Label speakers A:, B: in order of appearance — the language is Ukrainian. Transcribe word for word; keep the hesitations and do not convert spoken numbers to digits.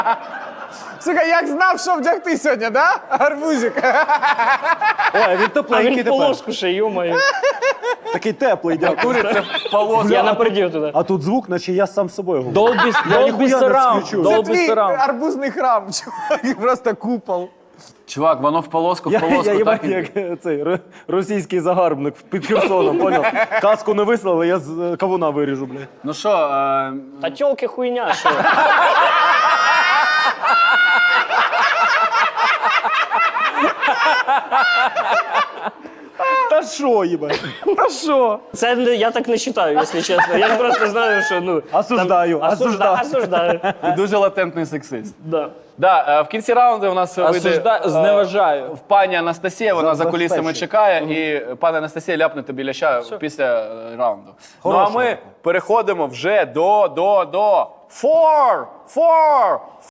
A: Сука, як знав, що вдягти сьогодні, да? Гарбузик.
B: Ой, він
C: А
B: тепленький
C: він в
B: тепер.
C: полоску ще, йо-моє.
B: Такий теплий, дякую.
A: Куриця в полоску.
C: Я напередів туди.
B: А тут звук, наче я сам з собою говорю.
D: Долбі, Долбі
B: ніхуя не
D: Сараунд.
B: свічу.
A: Це
D: Долбі
A: твій
D: Сараунд.
A: арбузний храм, чувак, просто купол.
E: Чувак, воно в полоску, в
B: Я,
E: полоску.
B: я їбать,
E: так і-
B: як е, цей ро- російський загарбник під Херсоном, поняв? Каску не вислали, я з е, кавуна виріжу, блядь.
E: Ну що, е,
C: Та тьолки хуйня, що?
B: Та що, їбать?
A: Та що?
C: Це не- я так не вважаю, якщо чесно. Я просто знаю, що ну...
B: Осуждаю,
C: там-
B: осуждаю.
C: осужда- Осуждаю.
E: ти дуже латентний сексист.
C: Да.
E: Да, е, в кінці раунду у нас вийде
D: Осужда...
E: е,
D: Зневажаю.
E: в пані Анастасія, вона за кулісами
B: Забезпечує.
E: чекає, і пані Анастасія ляпнете біля чаю після е, раунду. Ну а
B: Хорошого.
E: ми переходимо вже до, до, до four, four,